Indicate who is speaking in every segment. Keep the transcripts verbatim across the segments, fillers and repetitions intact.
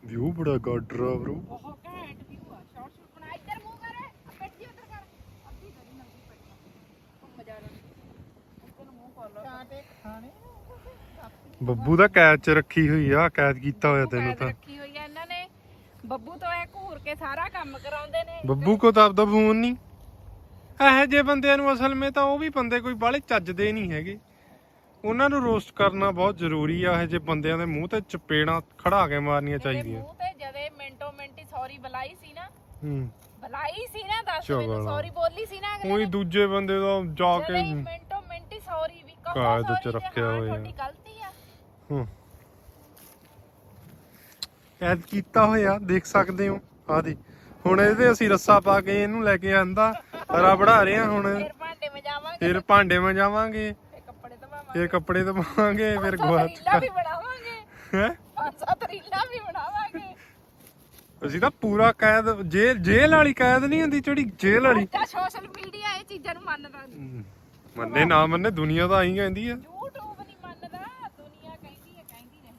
Speaker 1: View ਬੜਾ ਗਾਡਰ ਆ bro.
Speaker 2: ਬਹੁਤ ਘੈਂਟ ਵਿਊ ਆ। ਸ਼ਾਰਟ ਸ਼ੂਟ ਬਣਾ। ਇੱਧਰ ਮੂੰਹ ਕਰ ਪਿੱਟ ਜੀ ਉੱਧਰ ਕਰ ਅੱਧੀ ਕਰੀ ਨੰਗੀ ਪਈ ਘੁੰਮ ਜਾ ਰਹੀ ਇੱਧਰ ਨੂੰ ਮੂੰਹ ਕਰ ਲੋ ਚਾਟੇ ਖਾਣੇ
Speaker 1: ਬੱਬੂ ਦਾ ਕੈਦ ਚ ਰੱਖੀ ਹੋਈ ਆ, ਕੈਦ ਕੀਤਾ ਹੋਇਆ ਤੈਨੂੰ
Speaker 2: ਕੈਦ
Speaker 1: ਤਾਂ।
Speaker 2: ਰੱਖੀ ਹੋਈ ਆ ਇਹਨਾਂ ਨੇ। ਬੱਬੂ ਤੋਂ ਇਹ ਘੂਰ ਕੇ ਸਾਰਾ ਕੰਮ ਕਰਾਉਂਦੇ ਨੇ।
Speaker 1: ਬੱਬੂ ਕੋ ਤਾਂ ਆਪਦਾ ਫੋਨ ਨਹੀਂ। ਇਹੋ ਜਿਹੇ ਬੰਦਿਆਂ ਨੂੰ ਅਸਲ ਵਿੱਚ ਤਾਂ ਉਹ ਵੀ ਬੰਦੇ ਕੋਈ ਬਾਹਲੇ ਚੱਜਦੇ ਨਹੀਂ ਹੈਗੇ। ਉਹਨਾਂ ਨੂੰ ਰੋਸਟ ਕਰਨਾ ਬਹੁਤ ਜ਼ਰੂਰੀ ਆ। ਇਹੋ ਜਿਹੇ ਬੰਦਿਆਂ ਦੇ ਮੂੰਹ ਤੇ ਚਪੇੜਾਂ ਖੜਾ ਕੇ ਮਾਰਨੀਆਂ ਚਾਹੀਦੀਆਂ।
Speaker 2: ਮੂੰਹ ਤੇ ਜਦੇ ਮਿੰਟੋ ਮਿੰਟੀ ਸੌਰੀ ਬੁਲਾਈ ਸੀ ਨਾ।
Speaker 1: ਹੂੰ
Speaker 2: ਬੁਲਾਈ ਸੀ ਨਾ ਦੱਸ ਮੈਨੂੰ ਸੌਰੀ ਬੋਲੀ ਸੀ ਨਾ ਅਗਲੇ
Speaker 1: ਉਹੀ ਦੂਜੇ ਬੰਦੇ ਦਾ ਜਾ ਕੇ
Speaker 2: ਮਿੰਟੋ ਮਿੰਟੀ ਸੌਰੀ ਵੀ ਕਹੋ
Speaker 1: ਕਾਇਦ ਚ ਰੱਖਿਆ ਹੋਇਆ।
Speaker 2: ਤੁਹਾਡੀ ਗਲਤੀ ਆ।
Speaker 1: ਹੂੰ ਕੈਦ ਕੀਤਾ ਹੋਇਆ ਦੇਖ ਸਕਦੇ ਹੋ। ਆ ਦੇ ਹੁਣ ਇਹਦੇ ਅਸੀਂ ਰੱਸਾ ਪਾ ਕੇ ਇਹਨੂੰ ਲੈ ਕੇ ਆਂਦਾ ਹਰਾ ਬਣਾ ਰਹੇ ਆ। ਹੁਣ
Speaker 2: ਫਿਰ ਭਾਂਡੇ ਮਜਾਵਾਂਗੇ
Speaker 1: ਫਿਰ ਭਾਂਡੇ ਮਜਾਵਾਂਗੇ
Speaker 2: ਫਿਰ ਕੱਪੜੇ ਧਵਾਵਾਂਗੇ
Speaker 1: ਫਿਰ ਕੱਪੜੇ ਧਵਾਵਾਂਗੇ ਫਿਰ ਗਵਾਚ
Speaker 2: ਰੀਲਾਂ ਵੀ ਬਣਾਵਾਂਗੇ
Speaker 1: ਹੈ।
Speaker 2: ਪੰਜ ਸੱਤ ਰੀਲਾਂ ਵੀ ਬਣਾਵਾਂਗੇ।
Speaker 1: ਅਸੀਂ ਤਾਂ ਪੂਰਾ ਕੈਦ ਜੇਲ੍ਹ ਜੇਲ੍ਹ ਵਾਲੀ ਕੈਦ ਨਹੀਂ ਹੁੰਦੀ ਜਿਹੜੀ ਜੇਲ੍ਹ ਵਾਲੀ।
Speaker 2: ਅੱਛਾ ਸੋਸ਼ਲ ਮੀਡੀਆ ਇਹ ਚੀਜ਼ਾਂ ਨੂੰ ਮੰਨਦਾ ਨਹੀਂ।
Speaker 1: ਮੰਨੇ ਨਾ ਮੰਨੇ ਦੁਨੀਆ ਤਾਂ ਆਈ ਕਹਿੰਦੀ ਆ।
Speaker 2: YouTube ਨਹੀਂ ਮੰਨਦਾ ਦੁਨੀਆ ਕਹਿੰਦੀ ਹੈ ਕਹਿੰਦੀ ਰਹੇ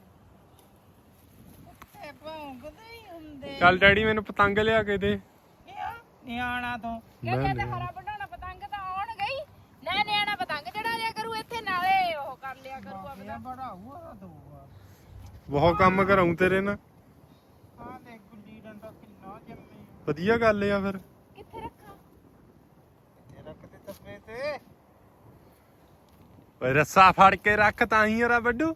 Speaker 2: ਉੱਤੇ ਭੌਂਕਦੇ ਹੀ ਹੁੰਦੇ।
Speaker 1: ਚੱਲ ਡੈਡੀ ਮੈਨੂੰ ਪਤੰਗ ਲਿਆ ਕੇ ਦੇ।
Speaker 2: ਨਿਆਣਾ ਤੋਂ ਕਹਿੰਦੇ ਤੇ ਹਰਾ ਬਣਾਉਣਾ ਪਤੰਗ ਤਾਂ ਆਉਣ ਗਈ ਨਾ। ਨਿਆਣਾ ਪਤੰਗ ਚੜਾ ਲਿਆ ਕਰੂ ਇੱਥੇ ਨਾਲੇ ਉਹ ਕਰ ਲਿਆ ਕਰੂ ਆਪਦਾ ਬੜਾਊਗਾ ਦਊਗਾ।
Speaker 1: ਬਹੁਤ ਕੰਮ ਕਰਾਉਂ ਤੇਰੇ ਨਾਲ।
Speaker 2: ਹਾਂ ਦੇਖ ਗੁੱਲੀ ਡੰਡਾ ਕਿੰਨਾ ਜੰਮੀ।
Speaker 1: ਵਧੀਆ ਗੱਲ ਆ ਫਿਰ।
Speaker 2: ਕਿੱਥੇ ਰੱਖਾਂ
Speaker 3: ਕਿੱਥੇ ਰੱਖਦੇ ਤੱਪੇ ਤੇ
Speaker 1: ਓਏ ਰੱਸਾ ਫੜ ਕੇ ਰੱਖ ਤਾਂ ਹੀ ਯਾਰਾ ਵੱਡੂ।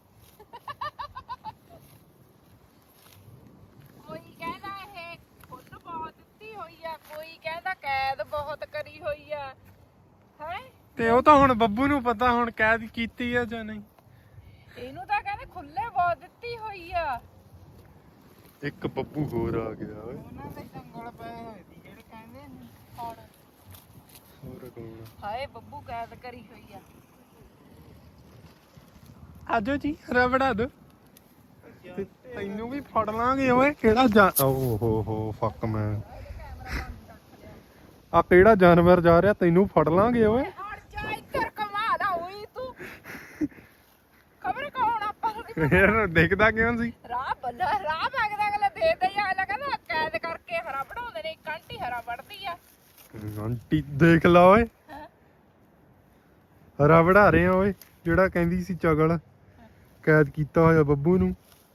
Speaker 2: ਕੋਈ ਕਹਿੰਦਾ ਇਹ ਖੁੱਦ ਬਹੁਤ ਦਿੱਤੀ ਹੋਈ ਆ ਕੋਈ ਕਹਿੰਦਾ ਕੈਦ ਬਹੁਤ ਕਰੀ ਹੋਈ ਆ ਹੈ।
Speaker 1: ਤੇ ਉਹ ਤਾਂ ਹੁਣ ਬੱਬੂ ਨੂੰ ਪਤਾ ਹੁਣ ਕੈਦ ਕੀਤੀ ਆ ਜਾਂ ਨਹੀਂ।
Speaker 2: ਇਹਨੂੰ ਤਾਂ ਕਹਿੰਦੇ ਖੁੱਲੇ ਬਹੁਤ ਦਿੱਤੀ ਹੋਈ ਆ।
Speaker 1: ਇੱਕ ਬੱਬੂ ਹੋਰ ਆ ਗਿਆ ਓਏ।
Speaker 3: ਉਹਨਾਂ ਦੇ ਜੰਗਲ ਪਏ ਹੋਏ ਸੀ ਜਿਹੜੇ ਕਹਿੰਦੇ ਨੇ
Speaker 2: ਹੁਣ
Speaker 1: ਹੋਰ ਕੌਣ
Speaker 2: ਹਾਏ ਬੱਬੂ ਕੈਦ ਕਰੀ ਹੋਈ ਆ।
Speaker 1: ਆਜੋ ਜੀ ਹਰਾ ਬਣਾ ਦੋ। ਤੈਨੂੰ ਵੀ ਫੜ ਲਾਂਗੇ ਓਏ। ਕਿਹੜਾ ਜਾ ਓ ਹੋ ਹੋ ਫੱਕ ਮੈਂ ਆ ਕਿਹੜਾ ਜਾਨਵਰ ਜਾ ਰਿਹਾ ਤੈਨੂੰ ਫੜ ਲਾਂਗੇ ਓਏ।
Speaker 2: ਹਟ ਜਾ ਇੱਧਰ ਕਮਾ ਦਾ ਹੋਈ ਤੂੰ ਖਬਰ ਕੌਣ ਆਪਾਂ ਨੂੰ
Speaker 1: ਯਾਰ ਦੇਖਦਾ ਕਿਉਂ ਸੀ।
Speaker 2: ਰਾਹ ਬੱਲਾ ਰਾਹ ਮੰਗਦਾ ਅਗਲਾ ਦੇ ਦੇ ਆ ਅਗਲਾ ਕਹਿੰਦਾ ਕੈਦ ਕਰਕੇ ਹਰਾ ਬਣਾਉਂਦੇ ਨੇ। ਇੱਕ ਆਂਟੀ ਹਰਾ ਵੜਦੀ ਆ।
Speaker 1: ਆਂਟੀ ਦੇਖ ਲਾ ਓਏ ਹਰਾ ਵੜਾ ਰਹੇ ਆ ਓਏ। ਜਿਹੜਾ ਕਹਿੰਦੀ ਸੀ ਚਗਲ ਕੈਦ ਕੀਤਾ ਹੋਇਆ ਬੱਬੂ ਨੂੰ।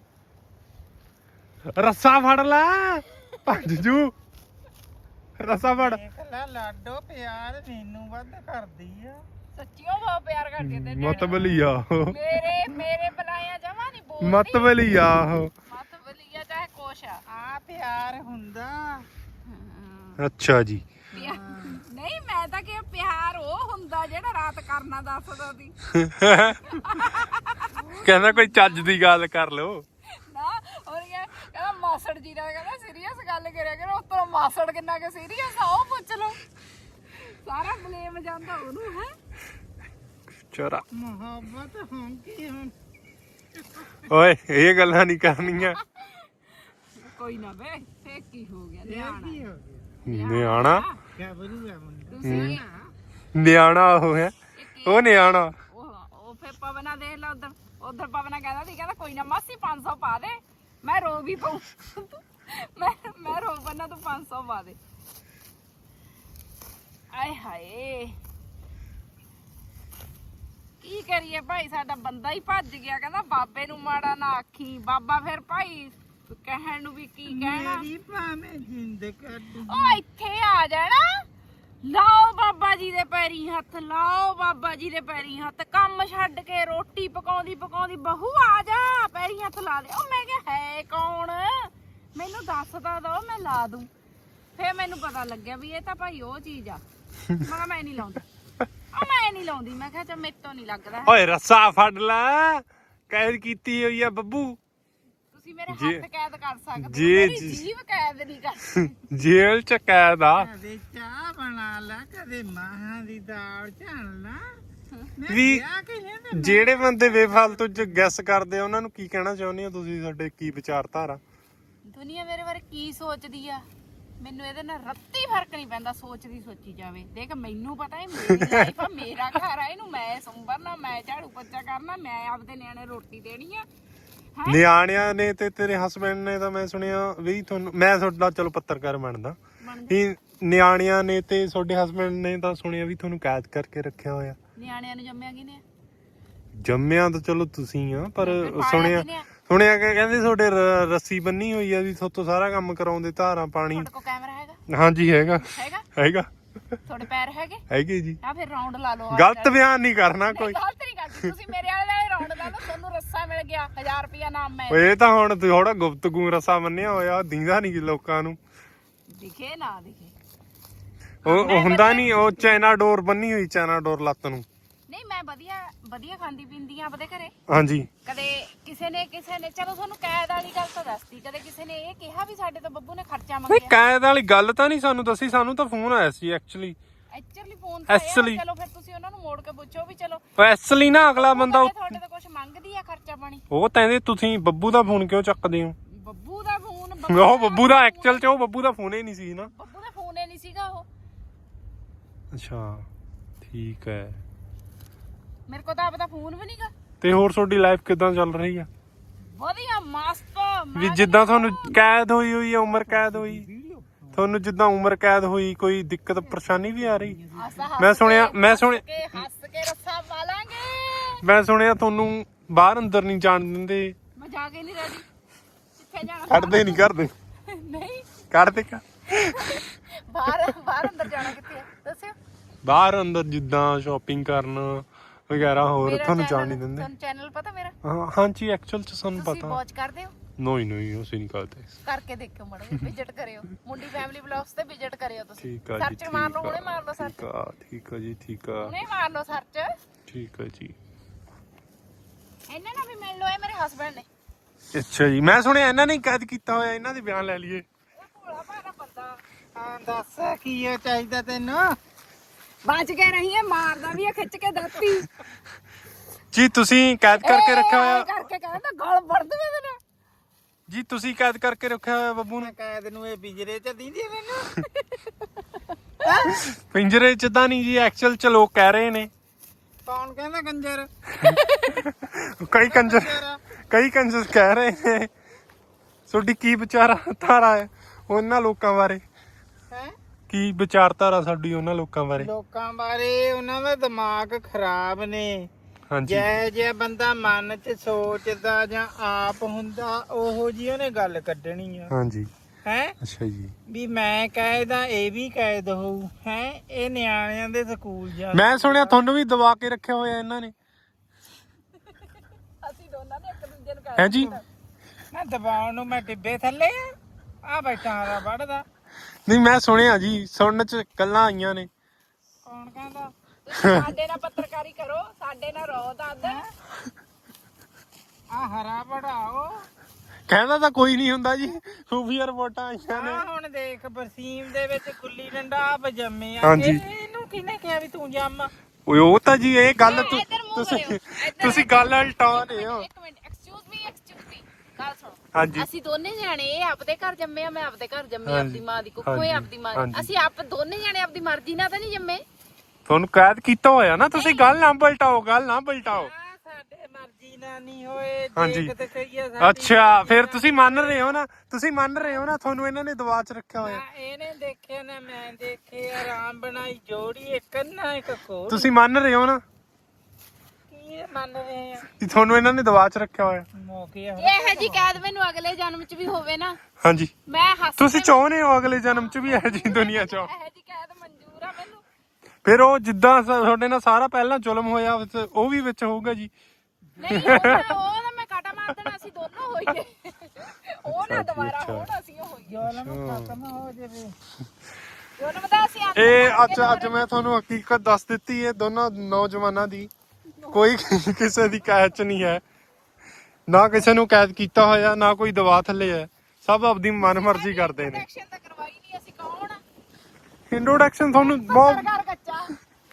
Speaker 1: ਰੱਸਾ ਫੜ ਲੈ ਭੱਜ ਜੂ। ਰੱਸਾ ਫੜ।
Speaker 3: ਦੇਖ ਲੈ ਲਾਡੋ ਪਿਆਰ ਮੈਨੂੰ ਵੱਧ ਕਰਦੀ ਆ।
Speaker 2: ਸੱਚੀਓ ਬਹੁਤ ਪਿਆਰ ਕਰਦੀ ਤੇ
Speaker 1: ਮਤਬਲੀ ਆ ਉਹ।
Speaker 2: ਮੇਰੇ ਮੇਰੇ ਬੁਲਾਇਆ ਜਮਾ ਨਹੀਂ ਬੋਲਦੀ।
Speaker 1: ਮਤਬਲੀ ਆ ਉਹ।
Speaker 2: ਮਤ ਬਲੀਆ ਚਾਹੇ ਕੁਛ ਆ।
Speaker 3: ਆ ਪਿਆਰ ਹੁੰਦਾ।
Speaker 1: ਅੱਛਾ ਜੀ।
Speaker 2: ਪਿਆ- ਨਹੀਂ ਮੈਂ ਤਾਂ ਕਿ ਪਿਆਰ ਉਹ ਹੁੰਦਾ ਜਿਹੜਾ ਰਾਤ ਕਰਨਾ ਦੱਸਦਾ ਸੀ
Speaker 1: ਕਹਿੰਦਾ ਕੋਈ ਚੱਜ ਦੀ ਗੱਲ ਕਰ ਲੋ
Speaker 2: ਨਾ। ਹੋਰ ਕੀ ਕਹਿੰਦਾ ਮਾਸੜ ਜੀ ਨਾਲ ਕਹਿੰਦਾ ਸੀਰੀਅਸ ਗੱਲ ਕਰਿਆ ਕਰੋ। ਉੱਤੋਂ ਮਾਸੜ ਕਿੰਨਾ ਕਿ ਸੀਰੀਅਸ ਆ ਉਹ ਪੁੱਛ ਲਓ। ਸਾਰਾ ਬਲੇਮ ਜਾਂਦਾ ਉਹਨੂੰ ਹੈ।
Speaker 1: ਚੋਰਾ
Speaker 3: ਮੁਹੱਬਤ ਹੁੰਦੀ ਹੁਣ
Speaker 1: ਓਏ ਇਹ ਗੱਲਾਂ ਨਹੀਂ ਕਰਨੀਆਂ।
Speaker 2: ਕੋਈ ਨਾ ਵੇ ਫੇਰ ਕੀ ਹੋ ਗਿਆ
Speaker 3: ਇਹ
Speaker 2: ਨਿਆਣਾ
Speaker 3: ਕੀ ਹੋ ਗਿਆ
Speaker 1: ਨਿਆਣਾ
Speaker 3: ਕਿਆ ਬਣੂਗਾ ਮੁੰਡਾ।
Speaker 2: ਤੁਸੀਂ ਆ
Speaker 1: ਨਿਆਣਾ ਉਹ ਹੈ ਉਹ ਨਿਆਣਾ।
Speaker 2: ਉਹ ਉਹ ਫੇਰ ਪਵਨਾ ਦੇਖ ਲਾ ਉਧਰ ਉਧਰ ਪਵਨਾ ਕਹਿੰਦਾ ਸੀ ਕਹਿੰਦਾ ਕੋਈ ਨਾ ਮਾਸੀ ਪੰਜ ਸੌ ਪਾ ਦੇ ਮੈਂ ਰੋ ਵੀ ਪਾਉ। ਮੈਂ ਮੈਂ ਰੋ ਬੰਨਾ ਤੂੰ ਪੰਜ ਸੌ ਪਾ ਦੇ। ਆਏ ਹਾਏ ਕੀ ਕਰੀਏ ਭਾਈ ਸਾਡਾ ਬੰਦਾ ਹੀ ਭੱਜ ਗਿਆ। ਕਹਿੰਦਾ ਬਾਬੇ ਨੂੰ ਮਾੜਾ ਨਾ ਆਖੀ। ਬਾਬਾ ਫਿਰ ਭਾਈ ਕਹਿਣ ਨੂੰ ਵੀ ਕੀ ਕਹਿਣਾ।
Speaker 3: ਮੇਰੀ ਭਾਵੇਂ ਜਿੰਦ ਕੱਢ
Speaker 2: ਉਹ ਇੱਥੇ ਆ ਜਾਣਾ। ਲਾਓ ਬਾਬਾ ਜੀ ਦੇ ਪੈਰੀ ਹੱਥ ਲਾਓ ਬਾਬਾ ਜੀ ਦੇ ਪੈਰੀ ਹੱਥ। ਕੰਮ ਛੱਡ ਕੇ ਰੋਟੀ ਪਕਾਉਂਦੀ ਪਕਾਉਂਦੀ ਬਹੂ ਆ ਜਾ ਪੈਰੀ ਹੱਥ ਲਾ ਦੇ। ਉਹ ਮੈਂ ਕਿਹਾ ਹੈ ਕੌਣ ਮੈਨੂੰ ਦੱਸ ਤਾਂ ਦੋ ਮੈਂ ਲਾ ਦੂੰ। ਫੇਰ ਮੈਨੂੰ ਪਤਾ ਲੱਗਿਆ ਵੀ ਇਹ ਤਾਂ ਭਾਈ ਉਹ ਚੀਜ਼ ਆ। ਮੈਂ ਕਿਹਾ ਮੈਂ ਨਹੀਂ ਲਾਉਂਦੀ। ਉਹ ਮੈਂ ਨਹੀਂ ਲਾਉਂਦੀ। ਮੈਂ ਕਿਹਾ ਚਾ ਮੇਰੇ ਤੋਂ ਨਹੀਂ ਲੱਗਦਾ।
Speaker 1: ਓਏ ਰੱਸਾ ਫੜ ਲੈ ਕੈਦ ਕੀਤੀ ਹੋਈ ਆ ਬੱਬੂ।
Speaker 2: ਤੁਸੀਂ ਮੇਰੇ ਹੱਥ ਕੈਦ ਕਰ ਸਕਦੇ
Speaker 1: ਜੀ,
Speaker 2: ਹੋ ਮੇਰੀ
Speaker 1: ਜੀ।
Speaker 2: ਜੀਭ ਕੈਦ ਨਹੀਂ ਕਰ ਸਕਦੀ।
Speaker 1: ਜੇਲ੍ਹ ਚ ਕੈਦ ਆ।
Speaker 3: ਕਦੇ ਚਾਹ ਬਣਾ ਲਾ ਕਦੇ ਮਾਹਾਂ ਦੀ ਦਾਲ ਝਾਣ ਲਾ। ਮੈਂ
Speaker 1: ਵੀ
Speaker 3: ਕਿਹਾ ਕਿ ਇਹਨੇ
Speaker 1: ਜਿਹੜੇ ਬੰਦੇ ਬੇਫਾਲਤੂ ਚ ਗੈਸ ਕਰਦੇ ਆ ਉਹਨਾਂ ਨੂੰ ਕੀ ਕਹਿਣਾ ਚਾਹੁੰਦੇ ਹੋ ਤੁਸੀਂ। ਸਾਡੇ ਕੀ ਵਿਚਾਰਧਾਰਾ।
Speaker 2: ਦੁਨੀਆ ਮੇਰੇ ਬਾਰੇ ਕੀ ਸੋਚਦੀ ਆ ਮੈਨੂੰ ਇਹਦੇ ਨਾਲ ਰੱਤੀ ਫਰਕ ਨਹੀਂ ਪੈਂਦਾ। ਸੋਚਦੀ ਸੋਚੀ ਜਾਵੇ। ਦੇਖ ਮੈਨੂੰ ਪਤਾ ਹੈ ਮੇਰੀ ਲਾਈਫ ਆ ਮੇਰਾ ਘਰ ਆ। ਇਹਨੂੰ ਮੈਂ ਸੰਭਰਨਾ ਮੈਂ ਝਾੜੂ ਪੋਚਾ ਕਰਨਾ ਮੈਂ ਆਪਦੇ ਨਿਆਣੇ ਰੋਟੀ ਦੇਣੀ ਆ
Speaker 1: ਨਿਆਣਿਆਂ ਨੇ ਤੇ ਤੇਰੇ ਹਸਬੰਡ ਨੇ ਤਾਂ ਮੈਂ ਸੁਣਿਆ ਵੀ ਤੁਹਾਨੂੰ ਮੈਂ ਤੁਹਾਡਾ ਚਲੋ ਪੱਤਰਕਾਰ ਬਣਦਾ ਵੀ ਨਿਆਣਿਆਂ ਨੇ ਤੇ ਤੁਹਾਡੇ ਹਸਬੰਡ ਨੇ ਤਾਂ ਸੁਣਿਆ ਵੀ ਤੁਹਾਨੂੰ ਕੈਦ ਕਰਕੇ ਰੱਖਿਆ ਹੋਇਆ।
Speaker 2: ਨਿਆਣਿਆਂ ਨੂੰ ਜੰਮਿਆ ਕਿਨੇ?
Speaker 1: ਜੰਮਿਆ ਤਾਂ ਚਲੋ ਤੁਸੀਂ ਆ ਪਰ ਸੁਣਿਆ ਸੁਣਿਆ ਕਿ ਕਹਿੰਦੇ ਤੁਹਾਡੇ ਰ- ਰੱਸੀ ਬੰਨੀ ਹੋਈ ਆ ਵੀ ਤੁਹਾਤੋਂ ਸਾਰਾ ਕੰਮ ਕਰਾਉਂਦੇ ਧਾਰਾਂ ਪਾਣੀ।
Speaker 2: ਤੁਹਾਡੇ ਕੋਲ ਕੈਮਰਾ ਹੈਗਾ?
Speaker 1: ਹਾਂਜੀ ਹੈਗਾ
Speaker 2: ਹੈਗਾ
Speaker 1: ਹੈਗਾ
Speaker 2: ਤੁਹਾਡੇ ਪੈਰ ਹੈਗੇ?
Speaker 1: ਹੈਗੇ ਜੀ।
Speaker 2: ਆ ਫਿਰ ਰਾਉਂਡ ਲਾ ਲਓ।
Speaker 1: ਗਲਤ ਬਿਆਨ ਨਹੀਂ ਕਰਨਾ ਕੋਈ।
Speaker 2: ਗਲਤ ਨਹੀਂ ਕਰਦੀ ਤੁਸੀਂ ਮੇਰੇ ਵਾਲੇ ਨਾਲ ਰਾਉਂਡ ਲਾ ਲਓ ਤੁਹਾਨੂੰ ਰੱਸਾ ਮਿਲ ਗਿਆ ਹਜ਼ਾਰ ਰੁਪਿਆ ਨਾਮ ਮੈਂ।
Speaker 1: ਓਏ ਇਹ ਤਾਂ ਹੁਣ ਥੋੜਾ ਗੁਪਤਗੂ ਰੱਸਾ ਮੰਨਿਆ ਹੋਇਆ ਦੀਂਦਾ ਨਹੀਂ ਲੋਕਾਂ ਨੂੰ।
Speaker 2: ਦਿਖੇ ਨਾ ਦਿਖੇ
Speaker 1: ਉਹ ਉਹ ਹੁੰਦਾ ਨਹੀਂ ਉਹ ਚਾਈਨਾ ਡੋਰ ਬੰਨੀ ਹੋਈ ਚਾਈਨਾ ਡੋਰ ਲੱਤ ਨੂੰ।
Speaker 2: ਨਹੀਂ ਮੈਂ ਵਧੀਆ ਵਧੀਆ ਖਾਂਦੀ ਪੀਂਦੀ ਆ ਆਪਦੇ ਘਰੇ।
Speaker 1: ਹਾਂਜੀ
Speaker 2: ਕਦੇ ਕਿਸੇ ਨੇ ਕਿਸੇ ਨੇ ਚਲੋ ਤੁਹਾਨੂੰ ਕੈਦ ਵਾਲੀ ਗੱਲ ਤਾਂ ਦੱਸਦੀ ਕਦੇ ਕਿਸੇ ਨੇ ਇਹ ਕਿਹਾ ਵੀ ਸਾਡੇ ਤੋਂ ਬੱਬੂ ਨੇ ਖਰਚਾ
Speaker 1: ਨਹੀਂ
Speaker 2: ਮੰਗਿਆ।
Speaker 1: ਕੈਦ ਵਾਲੀ ਗੱਲ ਤਾਂ ਨਹੀਂ ਸਾਨੂੰ ਦੱਸੀ ਸਾਨੂੰ ਤਾਂ ਫੋਨ ਆਇਆ ਸੀ ਐਕਚੁਅਲੀ।
Speaker 2: ਐਕਚੁਅਲੀ ਫੋਨ ਤੇ ਆਇਆ
Speaker 1: Actually-
Speaker 2: ਚਲੋ ਫਿਰ ਤੁਸੀਂ ਉਹਨਾਂ ਨੂੰ ਮੋੜ ਕੇ ਪੁੱਛੋ ਵੀ ਚਲੋ
Speaker 1: ਐਕਚੁਅਲੀ ਨਾ ਅਗਲਾ ਬੰਦਾ
Speaker 2: ਉਹ ਤੁਹਾਡੇ ਤੋਂ ਕੁਝ ਮੰਗਦੀ ਆ ਖਰਚਾ ਪਾਣੀ।
Speaker 1: ਉਹ ਕਹਿੰਦੇ ਤੁਸੀਂ ਬੱਬੂ ਦਾ ਫੋਨ ਕਿਉਂ ਚੱਕਦੇ ਹੋ?
Speaker 2: ਬੱਬੂ ਦਾ ਫੋਨ
Speaker 1: ਉਹ ਬੱਬੂ ਦਾ ਐਕਚੁਅਲ ਚ ਉਹ ਬੱਬੂ ਦਾ ਫੋਨ ਹੀ ਨਹੀਂ ਸੀ ਨਾ।
Speaker 2: ਬੱਬੂ ਦਾ ਫੋਨ ਹੀ ਨਹੀਂ ਸੀਗਾ ਉਹ।
Speaker 1: ਅੱਛਾ ਠੀਕ ਹੈ।
Speaker 2: ਮੇਰੇ ਕੋਲ ਤਾਂ ਆਪਦਾ ਫੋਨ ਵੀ ਨਹੀਂਗਾ।
Speaker 1: ਤੇ ਹੋਰ ਤੁਹਾਡੀ ਲਾਈਫ ਕਿਦਾਂ ਚੱਲ ਰਹੀ ਆ?
Speaker 2: ਵਧੀਆ ਮਸਤ।
Speaker 1: ਵੀ ਜਿੱਦਾਂ ਤੁਹਾਨੂੰ ਕੈਦ ਹੋਈ ਹੋਈ ਆ ਉਮਰ ਕੈਦ ਹੋਈ ਤੁਹਾਨੂੰ ਜਿੱਦਾਂ ਉਮਰ ਕੈਦ ਹੋਈ ਕੋਈ ਦਿੱਕਤ ਪਰੇਸ਼ਾਨੀ ਵੀ ਆ ਰਹੀ? ਮੈਂ ਸੁਣਿਆ ਮੈਂ ਸੁਣਿਆ
Speaker 2: ਕੇ ਹੱਸ ਕੇ ਰੱਸਾ ਪਾ ਲਾਂਗੇ।
Speaker 1: ਮੈਂ ਸੁਣਿਆ ਤੁਹਾਨੂੰ ਬਾਹਰ ਅੰਦਰ ਨਹੀਂ ਜਾਣ ਦਿੰਦੇ।
Speaker 2: ਮੈਂ ਜਾ ਕੇ ਨਹੀਂ ਰੈਡੀ। ਕਿੱਥੇ ਜਾਣਾ?
Speaker 1: ਕੱਢਦੇ ਨਹੀਂ ਕਰਦੇ
Speaker 2: ਨਹੀਂ
Speaker 1: ਕੱਢਦੇ ਕਾ
Speaker 2: ਬਾਹਰ ਬਾਹਰ ਅੰਦਰ ਜਾਣਾ ਕਿੱਥੇ ਆ ਦੱਸਿਓ।
Speaker 1: ਬਾਹਰ ਅੰਦਰ ਜਿੱਦਾਂ ਸ਼ਾਪਿੰਗ ਕਰਨ ਵਗੈਰਾ ਹੋਰ
Speaker 2: ਮੇਰਾ
Speaker 1: ਤੁਹਾਨੂੰ ਜਾਣ
Speaker 2: channel-
Speaker 1: ਨਹੀਂ ਦਿੰਦੇ।
Speaker 2: ਤੁਹਾਨੂੰ ਚੈਨਲ ਪਤਾ ਮੇਰਾ?
Speaker 1: ਹਾਂ ਹਾਂਜੀ ਐਕਚੁਅਲ ਚ ਸਾਨੂੰ
Speaker 2: ਤੁਸੀਂ
Speaker 1: ਪਤਾ।
Speaker 2: ਵਾਚ ਕਰਦੇ ਹੋ?
Speaker 1: ਨਹੀਂ ਨਹੀਂ ਅਸੀਂ ਨਹੀਂ ਕਰਦੇ।
Speaker 2: ਕਰਕੇ ਦੇਖਿਓ ਮੜਾ ਵਿਜ਼ਿਟ ਕਰਿਓ ਮੁੰਡੀ ਫੈਮਿਲੀ ਵਲੌਗਸ ਤੇ ਵਿਜ਼ਿਟ ਕਰਿਓ ਤੁਸੀਂ।
Speaker 1: ਠੀਕ ਆ ਜੀ
Speaker 2: ਸਰਚ ਮਾਰ ਲਓ ਹੁਣੇ ਮਾਰ ਲਓ ਸਰਚ।
Speaker 1: ਠੀਕ ਆ ਠੀਕ ਆ ਜੀ ਠੀਕ ਆ
Speaker 2: ਹੁਣੇ ਮਾਰ ਲਓ ਸਰਚ।
Speaker 1: ਠੀਕ ਆ ਜੀ।
Speaker 2: ਇਹਨਾਂ ਨਾਲ ਵੀ ਮਿਲ ਲਓ ਇਹ ਮੇਰੇ ਹਸਬੰਡ ਨੇ।
Speaker 1: ਅੱਛਾ ਜੀ ਮੈਂ ਸੁਣਿਆ ਇਹਨਾਂ ਨੇ ਕੈਦ ਕੀਤਾ ਹੋਇਆ ਇਹਨਾਂ ਦੇ ਬਿਆਨ ਲੈ ਲਈਏ।
Speaker 2: ਇਹ ਭੋਲਾ ਭਾਰਾ ਬੰਦਾ
Speaker 3: ਹਾਂ ਦੱਸ ਕੀ ਇਹ ਚਾਹੀਦਾ ਤੈਨੂੰ?
Speaker 2: ਬਚ ਕੇ ਰਹੀ ਹੈ ਮਾਰਦਾ ਵੀ ਹੈ ਖਿੱਚ ਕੇ ਦਾਤੀ।
Speaker 1: ਜੀ ਤੁਸੀਂ ਕੈਦ ਕਰਕੇ ਰੱਖਿਆ ਹੋਇਆ
Speaker 2: ਕਰਕੇ ਕਹਿੰਦਾ ਗਲ ਵੜ ਦਵੇ ਤੇਰਾ।
Speaker 1: ਜੀ ਤੁਸੀਂ ਕੈਦ ਕਰਕੇ ਰੱਖਿਆ ਹੋਇਆ ਬੱਬੂ ਨੂੰ?
Speaker 3: ਕੈਦ ਨੂੰ ਇਹ ਪਿੰਜਰੇ ਚ ਦਿੰਦੀ ਮੈਨੂੰ।
Speaker 1: ਪਿੰਜਰੇ ਚ ਤਾਂ ਨਹੀਂ ਜੀ ਐਕਚੁਅਲ ਚ ਲੋਕ ਕਹਿ ਰਹੇ ਨੇ।
Speaker 3: ਕੌਣ ਕਹਿੰਦਾ ਕੰਜਰ?
Speaker 1: ਕਈ ਕੰਜਰ ਕਈ ਕੰਜਰ ਕਹਿ ਰਹੇ ਨੇ ਤੁਹਾਡੀ ਕੀ ਵਿਚਾਰਾ ਧਾਰਾ ਹੈ ਉਹਨਾਂ ਲੋਕਾਂ ਬਾਰੇ?
Speaker 3: ਹੈ
Speaker 1: ਕੀ ਵਿਚਾਰਧਾਰਾ ਸਾਡੀ ਉਹਨਾਂ ਲੋਕਾਂ ਬਾਰੇ?
Speaker 3: ਲੋਕਾਂ ਬਾਰੇ ਉਹਨਾਂ ਦਾ ਦਿਮਾਗ ਖਰਾਬ ਨੇ।
Speaker 1: ਹਾਂਜੀ
Speaker 3: ਜੈ ਜੈ ਬੰਦਾ ਮਨ ਚ ਸੋਚਦਾ ਜਾਂ ਆਪ ਹੁੰਦਾ ਉਹੋ ਜੀ ਉਹਨੇ ਗੱਲ ਕੱਢਣੀ ਆ।
Speaker 1: ਹਾਂਜੀ
Speaker 3: ਹੈ
Speaker 1: ਅੱਛਾ ਜੀ।
Speaker 3: ਵੀ ਮੈਂ ਕਾਇਦਾ ਇਹ ਵੀ ਕਾਇਦ ਹੋਊ ਹੈ। ਇਹ ਨਿਆਣਿਆਂ ਦੇ ਸਕੂਲ ਜਾ।
Speaker 1: ਮੈਂ ਸੁਣਿਆ ਤੁਹਾਨੂੰ ਵੀ ਦਬਾ ਕੇ ਰੱਖਿਆ ਹੋਇਆ ਇਹਨਾਂ ਨੇ।
Speaker 2: ਅਸੀਂ ਦੋਨਾਂ ਨੇ ਇੱਕ ਦੂਜੇ ਨੂੰ
Speaker 1: ਹੈ ਜੀ
Speaker 3: ਮੈਂ ਦਬਾਉਣ ਨੂੰ ਮੈਂ ਟਿੱਬੇ ਥੱਲੇ ਆ ਆ ਬੈਠਾ ਹਾਰਾ ਵੜਦਾ।
Speaker 1: ਨਹੀਂ ਮੈਂ ਸੁਣਿਆ ਜੀ ਸੁਣਨ ਚ ਗੱਲਾਂ ਆਈਆਂ ਨੇ।
Speaker 3: ਕੌਣ ਕਹਿੰਦਾ?
Speaker 2: ਸਾਡੇ ਨਾਲ ਪੱਤਰਕਾਰੀ ਕਰੋ ਸਾਡੇ ਨਾਲ ਰੋ ਦੱਦ।
Speaker 3: ਆ ਹਰਾ ਵੜਾਓ।
Speaker 1: ਕਹਿੰਦਾ ਤਾਂ ਕੋਈ ਨਹੀਂ ਹੁੰਦਾ ਜੀ ਖੂਫੀਆ ਰਿਪੋਰਟਾਂ ਆਈਆਂ ਨੇ।
Speaker 3: ਆ ਹੁਣ ਦੇਖ ਬਰਸੀਮ ਦੇ ਵਿੱਚ ਗੁੱਲੀ ਡੰਡਾ ਆਪ ਜੰਮੇ ਆ।
Speaker 1: ਹਾਂਜੀ।
Speaker 3: ਇਹ- ਇਹਨੂੰ ਕਿਹਨੇ ਕਿਹਾ ਵੀ ਤੂੰ ਜੰਮ?
Speaker 1: ਓਏ ਉਹ ਤਾਂ ਜੀ ਇਹ ਗੱਲ ਤੁ-
Speaker 2: ਇੱਧਰ ਮੂੰਹ
Speaker 1: ਤੁਸੀਂ
Speaker 2: ਕਰਿਓ, ਇੱਧਰ
Speaker 1: ਤੁਸੀਂ ਗੱਲ ਉਲਟਾ ਰਹੇ ਹੋ।
Speaker 2: ਇੱਕ minute excuse me excuse me ਗੱਲ ਸੁਣੋ।
Speaker 1: ਹਾਂਜੀ
Speaker 2: ਅਸੀਂ ਦੋਨੇ ਜਾਣੇ ਇਹ ਆਪਦੇ ਘਰ ਜੰਮੇ ਆ ਮੈਂ ਆਪਦੇ ਘਰ ਜੰਮੀ
Speaker 1: ਹਾਂਜੀ,
Speaker 2: ਆਪਦੀ ਮਾਂ ਦੀ ਕੁੱਖੋਂ
Speaker 1: ਹਾਂਜੀ,
Speaker 2: ਇਹ ਆਪਦੀ ਮਾਂ
Speaker 1: ਹਾਂਜੀ।
Speaker 2: ਦੀ। ਅਸੀਂ ਆਪ ਦੋਨੇ ਜਾਣੇ ਆਪਦੀ ਮਰਜ਼ੀ ਨਾਲ ਤਾਂ ਨਹੀਂ ਜੰਮੇ।
Speaker 1: ਤੁਹਾਨੂੰ ਕੈਦ ਕੀਤਾ ਹੋਇਆ ਨਾ ਤੁਸੀਂ ਗੱਲ ਨਾ ਪਲਟਾਓ ਗੱਲ ਨਾ ਪਲਟਾਓ।
Speaker 3: ਆ ਸਾਡੇ ਮਰਜ਼ੀ ਨਾਲ ਨਹੀਂ ਹੋਏ।
Speaker 1: ਹਾਂਜੀ।
Speaker 3: ਦੇਖ ਤੇ ਕਹੀਏ ਸਾਡੀ
Speaker 1: ਅੱਛਾ
Speaker 3: ਮਰਜ਼ੀ
Speaker 1: ਫਿਰ
Speaker 3: ਨਾਲ।
Speaker 1: ਤੁਸੀਂ ਮੰਨ ਰਹੇ ਹੋ ਨਾ ਤੁਸੀਂ ਮੰਨ ਰਹੇ ਹੋ ਨਾ ਤੁਹਾਨੂੰ ਇਹਨਾਂ ਨੇ ਦਬਾ ਚ ਰੱਖਿਆ ਹੋਇਆ।
Speaker 3: ਨਾ ਇਹਨੇ ਦੇਖਿਆ ਨਾ ਮੈਂ ਦੇਖੇ ਆਰਾਮ ਬਣਾਈ ਜੋੜੀ ਇੱਕ ਨਾ ਇੱਕ ਕੋਲ।
Speaker 1: ਤੁਸੀਂ ਮੰਨ ਰਹੇ ਹੋ ਨਾ
Speaker 3: ਕੀ ਮੰਨ ਰਹੇ ਆ?
Speaker 1: ਕਿ ਤੁਹਾਨੂੰ ਇਹਨਾਂ ਨੇ ਦਬਾ ਚ ਰੱਖਿਆ ਹੋਇਆ।
Speaker 3: ਮੌਕੇ ਆ।
Speaker 2: ਇਹ ਜੀ ਕੈਦ ਮੈਨੂੰ ਅਗਲੇ ਜਨਮ 'ਚ ਵੀ ਹੋਵੇ ਨਾ
Speaker 1: ਹਾਂਜੀ
Speaker 2: ਮੈਂ ਹੱਸ
Speaker 1: ਤੁਸੀਂ ਚਾਹੁੰਦੇ ਹੋ ਅਗਲੇ ਜਨਮ ਚ ਵੀ ਇਹੋ ਜਿਹੀ ਦੁਨੀਆ ਚ।
Speaker 2: ਇਹ ਜੀ ਕੈਦ ਮਨਜ਼ੂਰ ਆ ਮੈਨੂੰ।
Speaker 1: ਫਿਰ ਉਹ ਜਿੱਦਾਂ ਸ- ਤੁਹਾਡੇ ਨਾਲ ਸਾਰਾ ਪਹਿਲਾਂ ਜ਼ੁਲਮ ਹੋਇਆ ਵਿੱਚ- ਉਹ ਵੀ ਵਿੱਚ ਹੋਊਗਾ ਜੀ।
Speaker 2: ਨਹੀਂ ਉਹ ਨਾ ਉਹ ਨਾ ਮੈਂ ਕਾਟਾ ਮਾਰ ਦੇਣਾ ਅਸੀਂ ਦੋਨੋਂ ਹੋਈਏ। ਉਹ ਨਾ ਦੁਬਾਰਾ
Speaker 1: ਅੱਛਾ।
Speaker 2: ਹੋਣ ਅਸੀਂ ਉਹ ਹੋਈਏ।
Speaker 3: ਜ਼ੁਲਮ ਖਤਮ ਹੋ ਜਾਵੇ।
Speaker 2: ਦੋਨੋਂ ਬਤਾ ਅਸੀਂ ਆਪ
Speaker 1: ਇਹ ਅੱਜ ਅੱਜ ਮੈਂ ਤੁਹਾਨੂੰ ਹਕੀਕਤ ਦੱਸ ਦਿੱਤੀ ਹੈ ਦੋਨਾਂ ਨੌਜਵਾਨਾਂ ਦੀ। ਕੋਈ ਕਿਸੇ ਦੀ ਕੈਦ ਚ ਨਹੀਂ ਹੈ ਨਾ ਕਿਸੇ ਨੂੰ ਕੈਦ ਕੀਤਾ ਹੋਇਆ ਨਾ ਕੋਈ ਦਵਾ ਥੱਲੇ ਹੈ। ਸਭ ਆਪਦੀ ਮਨਮਰਜ਼ੀ ਕਰਦੇ ਨੇ।
Speaker 2: ਐਕਸ਼ਨ ਤਾਂ ਕਰਵਾਈ ਨਹੀਂ ਅਸੀਂ ਕੌਣ ਆ?
Speaker 1: ਇੰਟਰੋਡਕਸ਼ਨ ਤੁਹਾਨੂੰ ਬਹੁਤ
Speaker 2: ਪੱਤਰਕਾਰ ਕੱਚਾ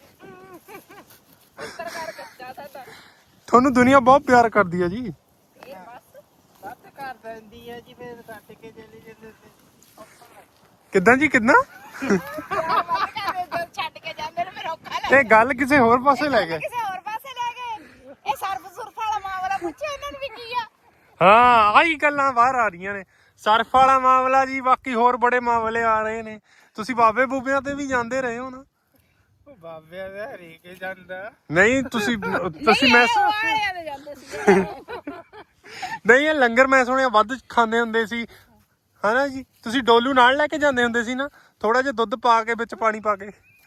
Speaker 2: ਪੱਤਰਕਾਰ ਕੱਚਾ ਸਾਡਾ।
Speaker 1: ਤੁਹਾਨੂੰ ਦੁਨੀਆ ਬਹੁਤ ਪਿਆਰ ਕਰਦੀ ਹੈ ਜੀ।
Speaker 2: ਇਹ ਬਸ
Speaker 3: ਵੱਧ ਕਰ ਦਿੰਦੀ ਆ ਜੀ ਫਿਰ ਕੱਟ ਕੇ ਚਲੇ ਜਾਂਦੇ ਤੇ।
Speaker 1: ਕਿੱਦਾਂ ਜੀ ਕਿੱਦਾਂ
Speaker 2: ਬੰਦ ਕਰ ਦੇ ਜਦ ਛੱਡ ਕੇ ਜਾਂਦੇ ਨੇ ਫਿਰ ਔਖਾ ਲੱਗਦਾ।
Speaker 1: ਇਹ ਗੱਲ ਕਿਸੇ ਹੋਰ ਪਾਸੇ ਲੈ ਗਏ।
Speaker 2: ਕਿਸੇ ਹੋਰ ਪਾਸੇ ਲੈ ਗਏ। ਇਹ ਸਰਫ ਸੁਰਫ ਵਾਲਾ ਮਾਂ ਵਾਲਾ ਪੁੱਛਿਆ ਇਹਨਾਂ ਨੂੰ ਵੀ ਕੀ ਆ?
Speaker 1: ਹਾਂ ਆਹੀ ਗੱਲਾਂ ਬਾਹਰ ਆ ਰਹੀਆਂ ਨੇ। ਸਰਫ ਵਾਲਾ ਮਾਮਲਾ ਜੀ, ਬਾਕੀ ਹੋਰ ਬੜੇ ਮਾਮਲੇ ਆ ਰਹੇ ਨੇ। ਤੁਸੀਂ ਬਾਬੇ ਬੂਬਿਆਂ ਤੇ ਵੀ ਜਾਂਦੇ ਰਹੇ ਹੋ ਨਾ?
Speaker 3: ਉਹ ਬਾਬਿਆਂ ਦਾ ਹਰੇਕ ਜਾਂਦਾ
Speaker 1: ਨਹੀਂ ਤੁਸੀਂ ਤੁਸੀਂ ਮੈਂ
Speaker 2: ਵਾਲਿਆਂ ਦੇ ਜਾਂਦੇ ਸੀ।
Speaker 1: ਨਹੀਂ ਇਹ ਲੰਗਰ ਮੈਂ ਸੁਣਿਆ ਵੱਧ ਖਾਂਦੇ ਹੁੰਦੇ ਸੀ ਹਨਾ ਜੀ? ਤੁਸੀਂ ਡੋਲੂ ਨਾਲ ਲੈ ਕੇ ਜਾਂਦੇ ਹੁੰਦੇ ਸੀ ਨਾ, ਥੋੜਾ ਜਿਹਾ ਦੁੱਧ ਪਾ ਕੇ ਵਿੱਚ ਪਾਣੀ ਪਾ ਕੇ।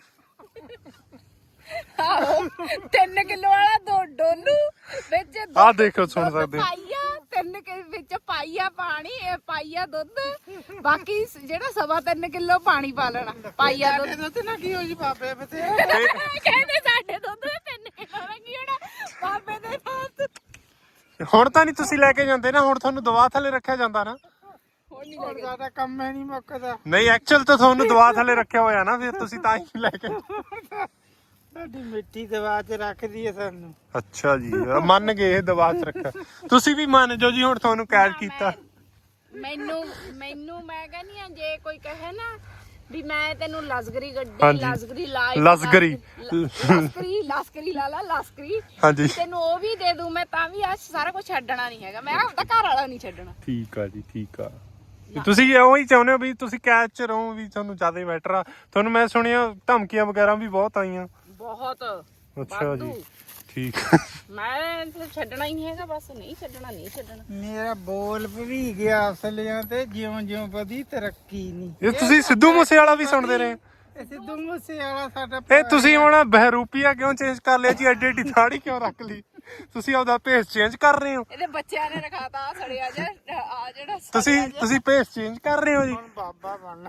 Speaker 2: ਆਹੋ ਤਿੰਨ ਕਿਲੋ ਵਾਲਾ ਦੋ ਡੋਲੂ ਵਿੱਚ
Speaker 1: ਆਹ ਦੇਖੋ ਸੁਣ ਸਕਦੇ ਹੋ।
Speaker 2: ਪਾਈਆ ਤਿੰਨ ਕਿ ਵਿੱਚ ਪਾਈਆ ਪਾਣੀ, ਇਹ ਪਾਈਆ ਦੁੱਧ, ਬਾਕੀ ਜਿਹੜਾ ਸਵਾ ਤਿੰਨ ਕਿਲੋ ਪਾਣੀ ਪਾ ਲੈਣਾ। ਪਾਈਆ ਦੁੱਧ
Speaker 3: ਦੁੱਧ ਨਾ ਕੀ ਹੋ ਜੀ ਬਾਬੇ ਬਤੇ
Speaker 2: ਕਹਿੰਦੇ ਸਾਡੇ ਦੁੱਧ ਦੇ ਤਿੰਨ ਕਿਲੋ ਲੱਗੀ ਹੋਣਾ ਬਾਬੇ ਦੇ ਦੁੱਧ।
Speaker 1: ਹੁਣ ਤਾਂ ਨਹੀਂ ਤੁਸੀਂ ਲੈ ਕੇ ਜਾਂਦੇ ਨਾ, ਹੁਣ ਤੁਹਾਨੂੰ ਦਵਾ ਥੱਲੇ ਰੱਖਿਆ ਜਾਂਦਾ ਨਾ?
Speaker 2: ਹੁਣ ਨਹੀਂ
Speaker 3: ਹੋਰ
Speaker 2: ਲੱਗਦਾ।
Speaker 3: ਜ਼ਿਆਦਾ ਕੰਮ ਹੈ ਨਹੀਂ ਮੁੱਕਦਾ।
Speaker 1: ਨਹੀਂ ਐਕਚੁਅਲ ਤਾਂ ਤੁਹਾਨੂੰ ਦਵਾ ਥੱਲੇ ਰੱਖਿਆ ਹੋਇਆ ਨਾ, ਫਿਰ ਤੁਸੀਂ ਤਾਂ ਹੀ ਲੈ ਕੇ।
Speaker 3: ਸਾਡੀ ਮਿੱਟੀ ਦਵਾ ਚ ਰੱਖਦੀ ਹੈ ਸਾਨੂੰ।
Speaker 1: ਅੱਛਾ ਜੀ ਮੰਨ ਗਏ ਇਹ ਦਵਾ ਚ ਰੱਖਿਆ। ਤੁਸੀਂ ਵੀ ਮੰਨ ਜਾਓ ਜੀ, ਹੁਣ ਤੁਹਾਨੂੰ ਕੈਦ ਕੀਤਾ।
Speaker 2: ਮੈਨੂੰ ਮੈਨੂੰ ਮੈਂ ਕਹਿੰਦੀ ਆ ਜੇ ਕੋਈ ਕਹੇ ਨਾ ਵੀ ਮੈਂ ਤੈਨੂੰ ਲਸਗਰੀ ਗੱਡੀ
Speaker 1: ਹਾਂਜੀ।
Speaker 2: ਲਸਗਰੀ ਲਾਈ
Speaker 1: ਲਸਗਰੀ।
Speaker 2: ਲਸਕਰੀ ਲਸਕਰੀ ਲਾ ਲਾ ਲਸਕਰੀ
Speaker 1: ਹਾਂਜੀ
Speaker 2: ਤੈਨੂੰ ਉਹ ਵੀ ਦੇ ਦੂੰ ਮੈਂ, ਤਾਂ ਵੀ ਆ ਸਾਰਾ ਕੁਝ ਛੱਡਣਾ ਨਹੀਂ ਹੈਗਾ। ਮੈਂ ਆਪਦਾ ਘਰ ਵਾਲਾ ਨਹੀਂ ਛੱਡਣਾ।
Speaker 1: ਠੀਕ ਆ ਜੀ ਠੀਕ ਆ। ਤੁਸੀਂ ਉਹੀ ਚਾਹੁੰਦੇ ਹੋ ਵੀ ਤੁਸੀਂ ਕੈਦ ਚ ਰਹੋ, ਵੀ ਤੁਹਾਨੂੰ ਜ਼ਿਆਦਾ ਬੈਟਰ ਆ। ਤੁਹਾਨੂੰ ਮੈਂ ਸੁਣਿਆ ਧਮਕੀਆਂ ਵਗੈਰਾ ਵੀ ਬਹੁਤ ਆਈਆਂ।
Speaker 2: ਬਹੁਤ
Speaker 1: ਅੱਛਾ ਜੀ
Speaker 2: ਵਾਧੂ।
Speaker 1: ਠੀਕ।
Speaker 2: ਮੈਂ ਤਾਂ ਛੱਡਣਾ ਹੀ ਨਹੀਂ ਹੈਗਾ, ਬਸ ਨਹੀਂ ਛੱਡਣਾ ਨਹੀਂ ਛੱਡਣਾ।
Speaker 3: ਮੇਰਾ ਬੋਲ ਭਰੀ ਗਿਆ ਅਸਲਿਆਂ ਤੇ ਜਿਉਂ ਜਿਉਂ ਵਧੀ ਤਰੱਕੀ ਨਹੀਂ।
Speaker 1: ਇਹ ਤੁਸੀਂ ਸਿੱਧੂ ਮੂਸੇ ਵਾਲਾ ਵੀ ਸੁਣਦੇ ਰਹੇ?
Speaker 3: ਇਹ ਸਿੱਧੂ ਮੂਸੇ ਵਾਲਾ ਸਾਡਾ
Speaker 1: ਇਹ ਤੁਸੀਂ ਹੁਣ ਬਹਿਰੂਪੀਆ ਕਿਉਂ ਚੇਂਜ ਕਰ ਲਿਆ ਜੀ? ਐਡੀ ਐਡੀ ਦਾੜੀ ਕਿਉਂ ਰੱਖ ਲਈ? ਤੁਸੀਂ ਆਪਦਾ ਭੇਸ ਚੇਂਜ ਕਰ ਰਹੇ ਹੋ?
Speaker 2: ਇਹਦੇ ਬੱਚਿਆਂ ਨੇ ਰਖਾਤਾ ਆ ਸੜਿਆ ਜਾ ਆ ਜਿਹੜਾ
Speaker 1: ਤੁਸੀਂ ਤੁਸੀਂ ਭੇਸ ਚੇਂਜ ਕਰ ਰਹੇ ਹੋ ਜੀ?
Speaker 3: ਹੁਣ ਬਾਬਾ ਬਣ।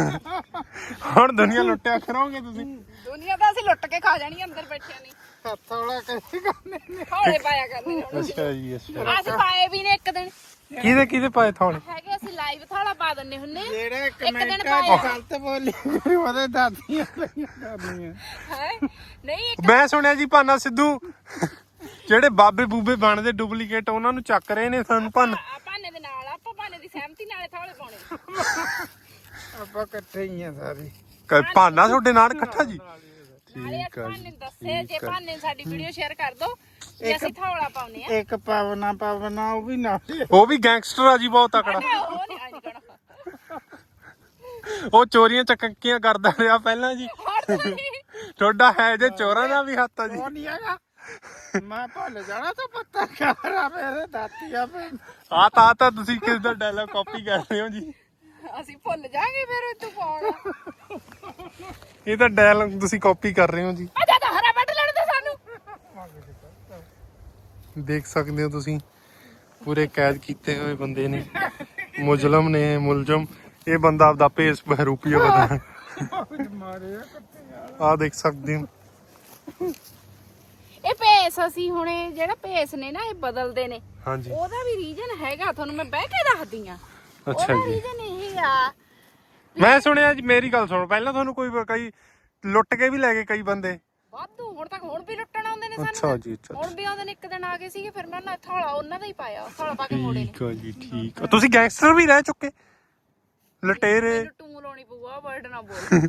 Speaker 1: ਹੁਣ ਦੁਨੀਆ ਲੁੱਟਿਆ ਕਰੋਗੇ ਤੁਸੀਂ?
Speaker 2: ਦੁਨੀਆ ਤਾਂ ਅਸੀਂ ਲੁੱਟ ਕੇ ਖਾ ਜਾਣੀ ਅੰਦਰ ਬੈਠਿਆਂ ਨਹੀਂ।
Speaker 3: ਹੱਥ ਵਾਲਾ ਕਰੀ ਕਰਨੇ ਨੇ।
Speaker 2: ਹੌਲੇ ਪਾਇਆ ਕਰਨੇ ਨੇ ਹੁਣ।
Speaker 1: ਅੱਛਾ ਜੀ ਅੱਛਾ।
Speaker 2: ਅਸੀਂ ਪਾਏ ਵੀ ਨੇ ਇੱਕ ਦਿਨ
Speaker 1: ਕਿਹਦੇ ਕਿਹਦੇ ਪਾਏ ਥਾਣੇ?
Speaker 2: ਹੈਗੇ, ਅਸੀਂ ਲਾਈਵ ਥਾਲਾ ਪਾ ਦਿੰਨੇ ਹੁੰਨੇ
Speaker 3: ਜਿਹੜੇ
Speaker 2: ਦਿਨ
Speaker 3: ਕਮੈਂਟਾਂ
Speaker 2: ਪਾਇਆ।
Speaker 3: ਚ ਗਲਤ ਬੋਲੀ ਉਹਦੇ ਦਾਦੀਆਂ ਪਈਆਂ ਕਰਨੀਆਂ।
Speaker 2: ਹੈ ਨਹੀਂ ਇੱਕ
Speaker 1: ਮੈਂ ਸੁਣਿਆ ਜੀ ਭਾਨਾ ਸਿੱਧੂ ਜਿਹੜੇ ਬਾਬੇ ਬੂਬੇ ਬਣਦੇ ਡੁਪਲੀਕੇਟ, ਉਹਨਾਂ ਨੂੰ ਚੱਕ ਰਹੇ ਨੇ ਸਾਨੂੰ ਭੰਨ।
Speaker 2: ਆ ਭਾਨੇ ਦੇ ਨਾਲ ਆਪਾਂ ਭਾਨੇ ਦੀ ਸਹਿਮਤੀ ਨਾਲੇ ਥਾਲੇ ਪਾਉਣੇ।
Speaker 3: ਆਪਾਂ ਇਕੱਠੇ ਹੀ ਆ ਸਾਰੇ।
Speaker 1: ਕ- ਭਾਨਾ ਤੁਹਾਡੇ ਨਾਲ ਇਕੱਠਾ ਜੀ?
Speaker 2: ਨਾਲੇ
Speaker 1: ਠੀਕ ਆ
Speaker 2: ਭਾਨੇ
Speaker 1: ਜੀ
Speaker 2: ਨੂੰ ਦੱਸੇ ਜੇ
Speaker 1: ਠੀਕ ਆ।
Speaker 2: ਭਾਨੇ ਨੂੰ ਸਾਡੀ ਵੀਡੀਓ ਸ਼ੇਅਰ ਕਰ ਦੋ ਤੇ ਅਸੀਂ ਥਾਲਾ ਪਾਉਨੇ ਆ।
Speaker 3: ਇੱਕ ਪਾਵਨਾ ਪਾਵਨਾ ਉਹ ਵੀ ਨਾਲ।
Speaker 1: ਉਹ ਵੀ ਗੈਂਗਸਟਰ ਆ ਜੀ ਬਹੁਤ ਤਕੜਾ।
Speaker 2: ਉਹ ਨਹੀਂ ਅੱਜ ਕਹਣਾ
Speaker 1: ਉਹ ਚੋਰੀਆਂ ਚੱਕੀਆਂ ਕਰਦਾ ਰਿਹਾ ਪਹਿਲਾਂ ਜੀ।
Speaker 2: ਹਟ ਨਹੀਂ
Speaker 1: ਤੁਹਾਡਾ ਹੈ ਜੇ ਚੋਰਾਂ ਦਾ ਵੀ ਹੱਥ ਆ ਜੀ।
Speaker 3: ਉਹ ਨਹੀਂ ਹੈਗਾ। ਮੈਂ ਭੁੱਲ ਜਾਣਾ ਤਾਂ ਪੱਤਾ ਕਰਾ ਮੇਰੇ ਦਾਤੀਆਂ ਪੇ।
Speaker 1: ਆ ਤਾਂ ਤਾਂ ਤੁਸੀਂ ਕਿਸ ਦਾ ਡਾਇਲੌਗ ਕਾਪੀ ਕਰ ਰਹੇ ਹੋ ਜੀ?
Speaker 2: ਅਸੀਂ ਭੁੱਲ ਜਾਾਂਗੇ ਫਿਰ ਤੂੰ ਪਾਉਣਾ।
Speaker 1: ਇਹ ਤਾਂ ਡਾਇਲੌਗ ਤੁਸੀਂ ਕਾਪੀ ਕਰ ਰਹੇ ਹੋ ਜੀ।
Speaker 2: ਆ ਜਾ ਤਾਂ ਹਰਾ ਵੱਢ ਲੈਣ ਦੇ ਸਾਨੂੰ।
Speaker 1: ਦੇਖ ਸਕਦੇ ਹੋ ਤੁਸੀਂ, ਪੂਰੇ ਕੈਦ ਕੀਤੇ ਹੋਏ ਬੰਦੇ ਨੇ, ਮੁਜਲਮ ਨੇ, ਮੁਲਜ਼ਮ। ਇਹ ਬੰਦਾ ਆਪਦਾ ਭੇਸ ਬਹਿਰੂਪੀਆ ਬਣਾ।
Speaker 3: ਮਾਰੇ
Speaker 1: ਆ ਦੇਖ ਸਕਦੇ ਹੋ।
Speaker 2: ਇਹ ਭੇਸ ਅਸੀਂ ਹੁਣੇ ਜਿਹੜਾ ਭੇਸ ਨੇ ਨਾ ਇਹ ਬਦਲਦੇ ਨੇ,
Speaker 1: ਹਾਂਜੀ
Speaker 2: ਉਹਦਾ ਵੀ ਰੀਜਨ ਹੈਗਾ, ਤੁਹਾਨੂੰ ਮੈਂ ਬਹਿ ਕੇ ਦੱਸਦੀ ਆ।
Speaker 1: ਅੱਛਾ
Speaker 2: ਉਹਦਾ
Speaker 1: ਜੀ।
Speaker 2: ਰੀਜਨ ਇਹ ਆ,
Speaker 1: ਮੈਂ ਸੁਣਿਆ ਜੀ, ਮੇਰੀ ਗੱਲ ਸੁਣੋ ਪਹਿਲਾਂ, ਤੁਹਾਨੂੰ ਕੋਈ ਕਈ ਲੁੱਟ ਕੇ ਵੀ ਲੈ ਗਏ ਕਈ ਬੰਦੇ?
Speaker 2: ਵਾਧੂ ਹੁਣ ਤੱਕ ਹੁਣ ਵੀ ਲੁੱਟਣ ਆਉਂਦੇ ਨੇ
Speaker 1: ਅੱਛਾ
Speaker 2: ਸਾਨੂੰ।
Speaker 1: ਜੀ ਅੱਛਾ
Speaker 2: ਹੁਣ ਵੀ ਆਉਂਦੇ ਨੇ, ਇੱਕ ਦਿਨ ਆ ਗਏ ਸੀਗੇ, ਫਿਰ ਮੈਂ ਨਾ ਥਾਲਾ ਉਹਨਾਂ ਦਾ ਹੀ ਪਾਇਆ, ਥਾਲਾ ਪਾ ਕੇ ਮੋੜੇ ਨੇ।
Speaker 1: ਠੀਕ ਆ ਜੀ ਠੀਕ ਆ। ਤੁਸੀਂ ਗੈਂਗਸਟਰ ਵੀ ਰਹਿ ਚੁੱਕੇ, ਲਟੇਰੇ?
Speaker 2: ਮੈਨੂੰ ਟੂ ਲਾਉਣੀ ਪਊਗਾ, ਵਰਡ ਨਾ ਬੋਲ।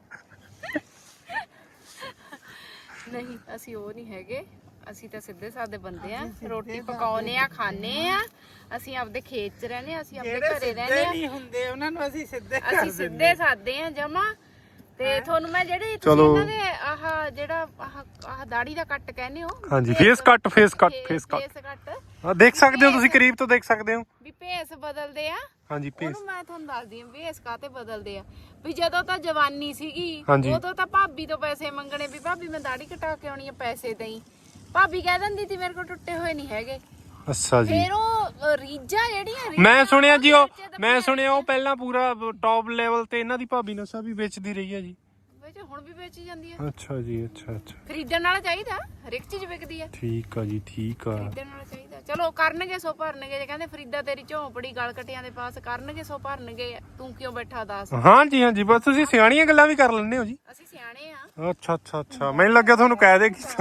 Speaker 2: ਨਹੀਂ ਅਸੀਂ ਉਹ ਨਹੀਂ ਹੈਗੇ, ਅਸੀਂ ਤਾਂ ਸਿੱਧੇ ਸਾਦੇ ਬੰਦੇ ਆ, ਰੋਟੀ ਪਕਾਉਨੇ ਆ, ਖਾਣੇ ਆ, ਅਸੀਂ ਆਪਦੇ ਖੇਤ 'ਚ ਰਹਿੰਦੇ ਆ, ਅਸੀਂ ਆਪਦੇ
Speaker 3: ਜਿਹੜੇ
Speaker 2: ਘਰੇ ਰਹਿੰਦੇ
Speaker 3: ਸਿੱਧੇ
Speaker 2: ਆ,
Speaker 3: ਨਹੀਂ ਹੁੰਦੇ ਉਹਨਾਂ ਨੂੰ ਅਸੀਂ ਸਿੱਧੇ ਕਰ
Speaker 2: ਅਸੀਂ
Speaker 3: ਦਿੰਦੇ।
Speaker 2: ਸਿੱਧੇ ਸਾਦੇ ਆ ਜਮਾ। ਤੇ ਤੁਹਾਨੂੰ ਮੈਂ ਜਿਹੜੀ ਤੁਸੀਂ
Speaker 1: ਚਲੋ।
Speaker 2: ਇਹਨਾਂ ਦੇ ਆਹ ਜਿਹੜਾ ਆਹ ਆਹ ਦਾੜੀ ਦਾ ਕੱਟ ਕਹਿੰਦੇ ਹੋ,
Speaker 1: ਹਾਂਜੀ face cut, face cut, face cut.
Speaker 2: Face cut
Speaker 1: ਆ ਦੇਖ ਸਕਦੇ ਹੋ ਤੁਸੀਂ, ਕਰੀਬ ਤੋਂ ਦੇਖ ਸਕਦੇ ਹੋ।
Speaker 2: ਵੀ ਭੇਸ ਬਦਲਦੇ ਆ।
Speaker 1: ਹਾਂਜੀ ਫੇਸ।
Speaker 2: ਉਹਨੂੰ ਮੈਂ ਤੁਹਾਨੂੰ ਦੱਸਦੀ ਆ ਭੇਸ ਕਾਤੇ ਬਦਲਦੇ ਆ। ਵੀ ਜਦੋਂ ਤਾਂ ਜਵਾਨੀ ਸੀਗੀ
Speaker 1: ਹਾਂਜੀ।
Speaker 2: ਉਦੋਂ ਤਾਂ ਭਾਬੀ ਤੋਂ ਪੈਸੇ ਮੰਗਣੇ, ਵੀ ਭਾਬੀ ਮੈਂ ਦਾੜੀ ਕਟਾ ਕੇ ਆਉਣੀ ਆ, ਪੈਸੇ ਦੇਈ। ਭਾਬੀ ਕਹਿ ਦਿੰਦੀ ਸੀ ਮੇਰੇ ਕੋਲ ਟੁੱਟੇ ਹੋਏ ਨਹੀਂ ਹੈਗੇ।
Speaker 1: ਅੱਛਾ ਜੀ।
Speaker 2: ਫਿਰ ਉਹ ਰੀਝਾਂ ਜਿਹੜੀਆਂ
Speaker 1: ਮੈਂ ਸੁਣਿਆ ਜੀ, ਉਹ
Speaker 2: ਰੀਝਾਂ
Speaker 1: ਮੈਂ ਸੁਣਿਆ ਉਹ ਪਹਿਲਾਂ ਪੂਰਾ ਟੌਪ ਲੈਵਲ ਤੇ ਇਹਨਾਂ ਦੀ ਭਾਬੀ ਨਸ਼ਾ ਵੀ ਵੇਚਦੀ ਰਹੀ ਹੈ ਜੀ।
Speaker 2: ਵਿੱਚ ਹੁਣ ਵੀ ਵੇਚੀ ਜਾਂਦੀ ਆ।
Speaker 1: ਅੱਛਾ ਜੀ ਅੱਛਾ ਅੱਛਾ।
Speaker 2: ਖਰੀਦਣ ਵਾਲਾ ਚਾਹੀਦਾ, ਹਰ ਇੱਕ ਚੀਜ਼ ਵਿਕਦੀ ਆ।
Speaker 1: ਠੀਕ ਆ ਜੀ ਠੀਕ ਆ।
Speaker 2: ਖਰੀਦਣ ਵਾਲਾ ਚਾਹੀਦਾ। ਚਲੋ ਕਰਨਗੇ ਸੋ ਭਰਨਗੇ, ਜੇ ਕਹਿੰਦੇ ਫਰੀਦਾ ਤੇਰੀ ਝੋਂਪੜੀ ਗਲ ਕਟਿਆਂ ਦੇ ਪਾਸ, ਕਰਨਗੇ ਸੋ ਭਰਨਗੇ, ਤੂੰ ਕਿਉਂ ਬੈਠਾ ਦੱਸ।
Speaker 1: ਹਾਂਜੀ ਹਾਂਜੀ ਬਸ ਤੁਸੀਂ ਸਿਆਣੀਆਂ ਗੱਲਾਂ ਵੀ ਕਰ ਲੈਂਦੇ ਹੋ ਜੀ।
Speaker 2: ਅਸੀਂ ਸਿਆਣੇ ਆ।
Speaker 1: ਅੱਛਾ ਅੱਛਾ ਅੱਛਾ, ਮੈਨੂੰ ਲੱਗਿਆ ਤੁਹਾਨੂੰ ਕਹਿ ਦੇ ਕੀਤਾ।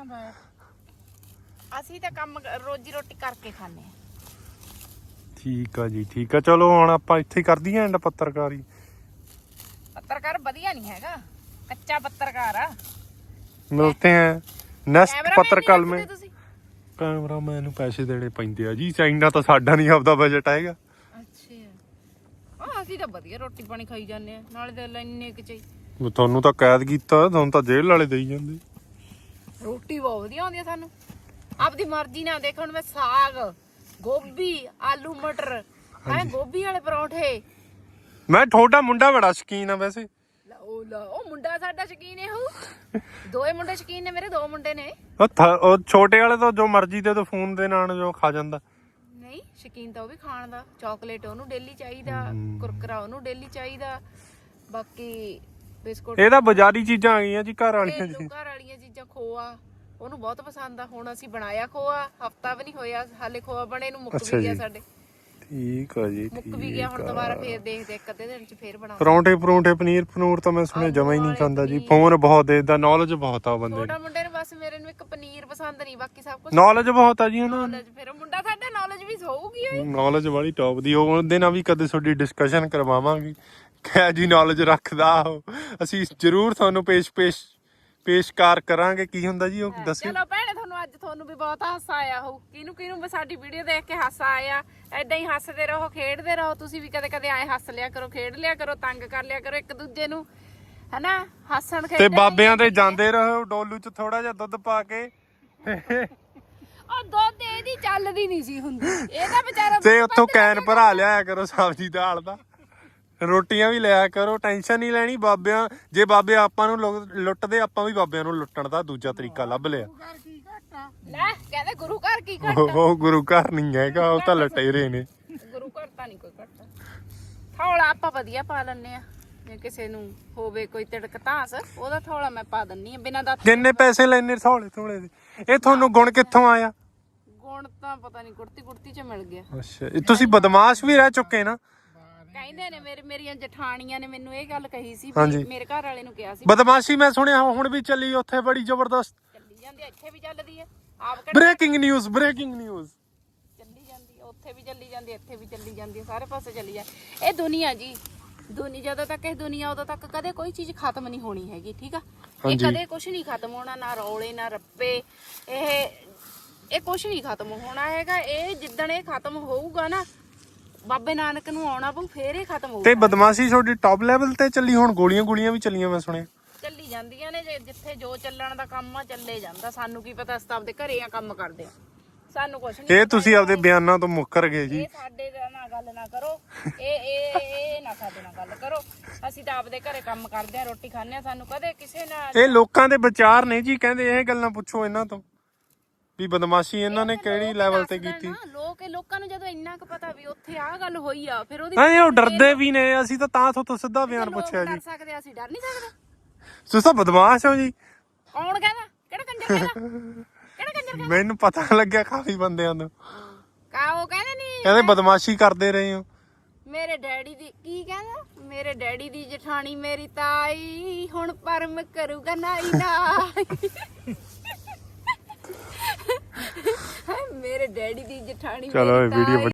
Speaker 2: ਅਸੀਂ ਤਾਂ ਕੰਮ ਰੋਜੀ ਰੋਟੀ ਕਰਕੇ ਖਾਂਦੇ ਆ।
Speaker 1: ਠੀਕ ਆ ਜੀ ਠੀਕ ਆ। ਚਲੋ ਹੁਣ ਆਪਾਂ ਇੱਥੇ ਹੀ ਕਰ ਦਈਏ ਐਂਡ ਪੱਤਰਕਾਰੀ।
Speaker 2: ਪੱਤਰਕਾਰ ਵਧੀਆ ਨਹੀਂ ਹੈਗਾ, ਕੱਚਾ ਪੱਤਰਕਾਰ ਆ।
Speaker 1: ਮਿਲते हैं नेक्स्ट
Speaker 2: ਕੈਮਰਾਮੈਨ
Speaker 1: पत्रकाल
Speaker 2: ਨਹੀਂ
Speaker 1: में।
Speaker 2: ਰੱਖਦੇ ਤੁਸੀਂ?
Speaker 1: ਕੈਮਰਾਮੈਨ ਨੂੰ ਪੈਸੇ ਦੇਣੇ ਪੈਂਦੇ ਆ ਜੀ, ਚਾਈਨਾ ਤਾਂ ਸਾਡਾ ਨਹੀਂ ਆਪਦਾ ਬਜਟ ਹੈਗਾ।
Speaker 2: ਅੱਛਾ ਆ ਅਸੀਂ ਤਾਂ ਵਧੀਆ ਰੋਟੀ ਪਾਣੀ ਖਾਈ ਜਾਂਦੇ ਆ, ਨਾਲੇ ਤੇ ਇੰਨੇ ਕਿ ਚਾਹੀ
Speaker 1: ਤੁਹਾਨੂੰ ਤਾਂ ਕੈਦ ਕੀਤਾ, ਤੁਹਾਨੂੰ ਤਾਂ ਜੇਲ੍ਹ ਵਾਲੇ ਦੇਈ ਜਾਂਦੇ।
Speaker 2: ਰੋਟੀ ਬਹੁਤ ਵਧੀਆ ਆਉਂਦੀ ਆ ਸਾਨੂੰ, ਆਪਦੀ ਮਰਜ਼ੀ ਨਾਲ। ਦੇਖੋ ਹੁਣ ਮੈਂ ਸਾਗ, ਗੋਭੀ, ਆਲੂ ਮਟਰ, ਹੈ ਗੋਭੀ ਵਾਲੇ ਪਰੌਂਠੇ।
Speaker 1: ਮੈਂ ਤੁਹਾਡਾ ਮੁੰਡਾ ਬੜਾ ਸ਼ੌਕੀਨ ਆ ਵੈਸੇ।
Speaker 2: ਲਓ ਲਓ ਉਹ ਮੁੰਡਾ ਸਾਡਾ ਸ਼ੌਕੀਨ ਹੈ ਉਹ, ਦੋਏ ਮੁੰਡੇ ਸ਼ੌਕੀਨ ਨੇ ਮੇਰੇ, ਦੋ ਮੁੰਡੇ ਨੇ।
Speaker 1: ਉਹ ਥ- ਉਹ ਛੋਟੇ ਵਾਲੇ ਤਾਂ ਜੋ ਮਰਜ਼ੀ ਦੇ ਦੋ ਫੋਨ ਦੇ ਨਾਲ ਜੋ ਖਾ ਜਾਂਦਾ।
Speaker 2: ਨਹੀਂ ਸ਼ੌਕੀਨ ਤਾਂ ਉਹ ਵੀ ਖਾਣ ਦਾ, ਚਾਕਲੇਟ ਉਹਨੂੰ ਡੇਲੀ ਚਾਹੀਦਾ, ਕੁਰਕਰਾ ਉਹਨੂੰ ਡੇਲੀ ਚਾਹੀਦਾ, ਬਾਕੀ ਬਿਸਕੁਟ।
Speaker 1: ਇਹ ਤਾਂ ਬਾਜ਼ਾਰੀ ਚੀਜ਼ਾਂ ਆ ਗਈਆਂ ਜੀ, ਘਰ ਵਾਲੀਆਂ ਜੀ।
Speaker 2: ਘਰ ਵਾਲੀਆਂ ਚੀਜ਼ਾਂ, ਖੋਆ ਉਹਨੂੰ ਬਹੁਤ ਪਸੰਦ ਆ। ਹੁਣ ਅਸੀਂ ਬਣਾਇਆ ਖੋਆ, ਹਫਤਾ ਵੀ ਨਹੀਂ ਹੋਇਆ ਹਾਲੇ ਖੋਆ ਬਣੇ ਨੂੰ, ਮੁੱਕ ਵੀ ਗਿਆ ਸਾਡੇ।
Speaker 1: ਠੀਕ ਆ ਜੀ,
Speaker 2: ਮੁੱਕ ਵੀ ਗਿਆ, ਹੁਣ ਦੁਬਾਰਾ ਫੇਰ ਦੇਖਦੇ ਇੱਕ ਅੱਧੇ ਦਿਨ ਚ ਫੇਰ ਬਣਾ।
Speaker 1: ਪਰੌਂਠੇ ਪਰੌਂਠੇ ਪਨੀਰ ਪਨੂਰ ਤਾਂ ਮੈਂ ਸੁਣਿਆ ਜਮਾ ਹੀ ਨਹੀਂ ਖਾਂਦਾ ਜੀ। ਫੋਨ ਬਹੁਤ ਦੇਦਾ, ਨੌਲੇਜ ਬਹੁਤ ਆ ਬੰਦੇ
Speaker 2: ਛੋਟਾ ਮੁੰਡੇ ਨੂੰ ਬਸ ਮੇਰੇ ਨੂੰ ਇੱਕ ਪਨੀਰ ਪਸੰਦ ਨਹੀਂ, ਬਾਕੀ ਸਭ ਕੁਝ
Speaker 1: ਨੌਲੇਜ ਬਹੁਤ ਆ ਜੀ ਉਹਨਾਂ ਨੂੰ।
Speaker 2: ਨੌਲੇਜ। ਫਿਰ ਉਹ ਮੁੰਡਾ ਸਾਡਾ ਨੌਲੇਜ ਵੀ ਹੋਊਗੀ ਓਏ।
Speaker 1: ਨੌਲੇਜ ਵਾਲੀ ਟੌਪ ਦੀ, ਉਹਦੇ ਨਾਲ ਵੀ ਕਦੇ ਤੁਹਾਡੀ ਡਿਸਕਸ਼ਨ ਕਰਵਾਵਾਂਗੇ ਕਿਆ ਜੀ ਨੌਲੇਜ ਰੱਖਦਾ ਉਹ, ਅਸੀਂ ਜ਼ਰੂਰ ਤੁਹਾਨੂੰ ਪੇਸ਼ ਪੇਸ਼ ਪੇਸ਼ਕਾਰ ਕਰਾਂਗੇ। ਕੀ ਹੁੰਦਾ ਜੀ ਉਹ ਦੱਸਿਓ।
Speaker 2: ਚਲੋ ਭੈਣੇ, ਤੁਹਾਨੂੰ ਅੱਜ ਤੁਹਾਨੂੰ ਵੀ ਬਹੁਤ ਹਾਸਾ ਆਇਆ ਹੋਊ, ਕਿਹਨੂੰ ਕਿਹਨੂੰ ਵੀ ਸਾਡੀ ਵੀਡੀਓ ਦੇਖ ਕੇ ਹਾਸਾ ਆਇਆ। ਏਦਾਂ ਹੀ ਹੱਸਦੇ ਰਹੋ, ਖੇਡਦੇ ਰਹੋ। ਤੁਸੀਂ ਵੀ ਕਦੇ ਕਦੇ ਆਏ ਹੱਸ ਲਿਆ ਕਰੋ, ਖੇਡ ਲਿਆ ਕਰੋ, ਤੰਗ ਕਰ ਲਿਆ ਕਰੋ ਇੱਕ ਦੂਜੇ ਨੂੰ, ਹਨਾ। ਹੱਸਣ
Speaker 1: ਤੇ
Speaker 2: ਖੇਡਣ
Speaker 1: ਬਾਬਿਆਂ ਤੇ ਜਾਂਦੇ ਰਹੋ, ਡੋਲੂ ਚ ਥੋੜਾ ਜਿਹਾ ਦੁੱਧ ਪਾ ਕੇ।
Speaker 2: ਉਹ ਦੁੱਧ ਇਹਦੀ ਚੱਲਦੀ ਨਹੀਂ ਸੀ ਹੁੰਦੀ, ਇਹਦਾ ਵਿਚਾਰਾ
Speaker 1: ਤੇ ਉੱਥੋਂ ਕੈਨ ਭਰਾ ਲਿਆਇਆ ਕਰੋ ਸਬਜ਼ੀ ਦਾਲ ਦਾ, ਰੋਟੀਆਂ ਵੀ ਲਿਆ ਕਰੋ। ਟੈਨਸ਼ਨ ਨਹੀਂ ਲੈਣੀ ਬਾਬਿਆਂ, ਜੇ ਬਾਬੇ ਆਪਾਂ ਨੂੰ ਲੁ- ਲੁੱਟਦੇ, ਆਪਾਂ ਵੀ ਬਾਬਿਆਂ ਨੂੰ ਲੁੱਟਣ ਦਾ ਦੂਜਾ ਤਰੀਕਾ ਲੱਭ ਲਿਆ।
Speaker 2: ਲੈ ਕਹਿੰਦੇ ਗੁਰੂ ਘਰ ਕੀ ਘਟ,
Speaker 1: ਉਹ ਗੁਰੂ ਘਰ ਨਹੀਂ ਹੈਗਾ, ਉਹ ਤਾਂ ਲਟੇਰੇ ਨੇ।
Speaker 2: ਗੁਰੂ ਘਰ ਤਾਂ ਨਹੀਂ ਕੋਈ ਘਟਦਾ। ਥੋੜਾ ਆਪਾਂ ਵਧੀਆ ਪਾ ਲੈਣੇ ਆ, ਜੇ ਕਿਸੇ ਨੂੰ ਹੋਵੇ ਕੋਈ ਤਿੜਕ ਧਾਸ, ਉਹਦਾ ਥੋੜਾ ਮੈਂ ਪਾ ਦਿੰਨੀ ਆ ਬਿਨਾਂ ਦਾ।
Speaker 1: ਕਿੰਨੇ ਪੈਸੇ ਲੈਣੇ ਥੋੜੇ ਥੋੜੇ ਦੇ? ਇਹ ਤੁਹਾਨੂੰ ਗੁਣ ਕਿੱਥੋਂ ਆਇਆ?
Speaker 2: ਗੁਣ ਤਾਂ ਪਤਾ ਨਹੀਂ ਕੁੜਤੀ ਕੁੜਤੀ ਚ ਮਿਲ ਗਿਆ।
Speaker 1: ਅੱਛਾ, ਇਹ ਤੁਸੀਂ ਬਦਮਾਸ਼ ਵੀ ਰਹਿ ਚੁੱਕੇ ਨਾ।
Speaker 2: ਕਹਿੰਦੇ ਨੇ ਮੇਰੇ ਮੇਰੀਆਂ ਜਠਾਣੀਆਂ ਨੇ ਮੈਨੂੰ ਇਹ ਗੱਲ ਕਹੀ ਸੀ,
Speaker 1: ਹਾਂਜੀ।
Speaker 2: ਵੀ ਮੇਰੇ ਘਰ ਵਾਲੇ ਨੂੰ ਕਿਹਾ ਸੀ
Speaker 1: ਬਦਮਾਸ਼ੀ ਮੈਂ ਸੁਣਿਆ ਹੁਣ ਵੀ ਚੱਲੀ ਉੱਥੇ ਬੜੀ ਜ਼ਬਰਦਸਤ।
Speaker 2: ਚੱਲੀ ਜਾਂਦੀ ਆ, ਇੱਥੇ ਵੀ ਚੱਲਦੀ ਆ। ਆਪ ਕਿਹੜਾ
Speaker 1: ਬ੍ਰੇਕਿੰਗ ਨਿਊਜ਼, ਬ੍ਰੇਕਿੰਗ ਨਿਊਜ਼।
Speaker 2: ਚੱਲੀ ਜਾਂਦੀ ਆ, ਉੱਥੇ ਵੀ ਚੱਲੀ ਜਾਂਦੀ ਆ, ਇੱਥੇ ਵੀ ਚੱਲੀ ਜਾਂਦੀ ਆ, ਸਾਰੇ ਪਾਸੇ ਚੱਲੀ ਜਾ। ਇਹ ਦੁਨੀਆ ਜੀ, ਦੁਨੀਆ ਜਦੋਂ ਤੱਕ ਇਹ ਦੁਨੀਆ ਉਦੋਂ ਤੱਕ ਕਦੇ ਕੋਈ ਚੀਜ਼ ਖਤਮ ਨਹੀਂ ਹੋਣੀ ਹੈਗੀ, ਠੀਕ ਆ। ਇਹ ਕਦੇ ਕੁਝ ਨਹੀਂ ਖਤਮ ਹੋਣਾ, ਨਾ ਰੌਲੇ ਨਾ ਰੱਪੇ, ਇਹ ਇਹ ਕੁਝ ਨਹੀਂ ਖਤਮ ਹੋਣਾ ਹੈਗਾ। ਇਹ ਜਿੱਦਣ ਇਹ ਖਤਮ ਹੋਊਗਾ ਨਾ, ਬਾਬੇ ਨਾਨਕ ਨੂੰ ਆਉਣਾ ਪਊ, ਫੇਰ ਇਹ ਖਤਮ ਹੋਊਗਾ।
Speaker 1: ਤੇ ਬਦਮਾਸ਼ੀ ਤੁਹਾਡੀ ਟੌਪ ਲੈਵਲ ਤੇ ਚੱਲੀ, ਹੁਣ ਗੋਲੀਆਂ ਗੋਲੀਆਂ ਵੀ ਚੱਲੀਆਂ ਮੈਂ ਸੁਣਿਆ।
Speaker 2: ਚੱਲੀ ਜਾਂਦੀਆਂ ਨੇ, ਜੇ ਜਿੱਥੇ ਜੋ ਚੱਲਣ ਦਾ ਕੰਮ ਆ ਚੱਲੇ ਜਾਂਦਾ। ਸਾਨੂੰ ਕੀ ਪਤਾ, ਅਸੀਂ ਤਾਂ ਆਪਦੇ ਘਰੇ ਆ ਕੰਮ ਕਰਦੇ ਆ, ਸਾਨੂੰ ਕੁਝ ਨਹੀਂ।
Speaker 1: ਇਹ ਤੁਸੀਂ ਆਪਦੇ ਬਿਆਨਾਂ ਤੋਂ ਮੁੱਕਰ ਗਏ ਜੀ।
Speaker 2: ਇਹ ਸਾਡੇ ਨਾਲ ਗੱਲ ਨਾ ਕਰੋ, ਇਹ ਇਹ ਇਹ ਨਾ ਸਾਡੇ ਨਾਲ ਗੱਲ ਕਰੋ। ਅਸੀਂ ਤਾਂ ਆਪਦੇ ਘਰੇ ਕੰਮ ਕਰਦੇ ਆ, ਰੋਟੀ ਖਾਂਦੇ ਆ, ਸਾਨੂੰ ਕਦੇ ਕਿਸੇ ਨਾਲ।
Speaker 1: ਇਹ ਲੋਕਾਂ ਦੇ ਵਿਚਾਰ ਨੇ ਜੀ, ਕਹਿੰਦੇ ਇਹ ਗੱਲਾਂ ਪੁੱਛੋ ਇਹਨਾਂ ਤੋਂ ਵੀ ਬਦਮਾਸ਼ੀ ਇਹਨਾਂ ਨੇ ਕਿਹੜੀ ਲੈਵਲ ਤੇ ਕੀਤੀ।
Speaker 2: ਲੋਕ ਇਹ ਲੋਕਾਂ ਨੂੰ ਜਦੋਂ ਇੰਨਾ ਕੁ ਪਤਾ ਵੀ ਉੱਥੇ ਆਹ ਗੱਲ ਹੋਈ ਆ, ਫਿਰ ਉਹਦੀ
Speaker 1: ਹਾਂ ਉਹ ਡਰਦੇ ਵੀ ਨੇ। ਅਸੀਂ ਤਾਂ ਤਾਂ ਤੋਂ ਸਿੱਧਾ ਬਿਆਨ ਪੁੱਛਿਆ ਜੀ।
Speaker 2: ਡਰ ਸਕਦੇ, ਅਸੀਂ ਡਰ ਨਹੀਂ ਸਕਦੇ।
Speaker 1: ਤੁਸੀਂ ਤਾਂ ਬਦਮਾਸ਼ ਹੋ ਜੀ।
Speaker 2: ਕੌਣ ਕਹਿੰਦਾ? ਕਿਹੜਾ ਕੰਜਰ ਕਹਿੰਦਾ? ਕਿਹੜਾ ਕੰਜਰ?
Speaker 1: ਮੈਨੂੰ ਪਤਾ ਲੱਗਿਆ ਕਾਫੀ ਬੰਦਿਆਂ ਨੂੰ,
Speaker 2: ਕਾ ਉਹ ਕਹਿੰਦੇ ਨਹੀਂ,
Speaker 1: ਕਹਿੰਦੇ ਬਦਮਾਸ਼ੀ ਕਰਦੇ ਰਹੇ ਹੋ।
Speaker 2: ਮੇਰੇ ਡੈਡੀ ਦੀ ਕੀ ਕਹਿੰਦਾ, ਮੇਰੇ ਡੈਡੀ ਦੀ ਜਠਾਣੀ ਮੇਰੀ ਤਾਈ, ਹੁਣ ਪਰਮ ਕਰੂਗਾ ਨਾਈ ਨਾਈ। ਮੇਰੇ ਡੈਡੀ ਦੀ ਜਠਾਣੀ
Speaker 1: ਚਲੋ ਇਹ ਵੀਡੀਓ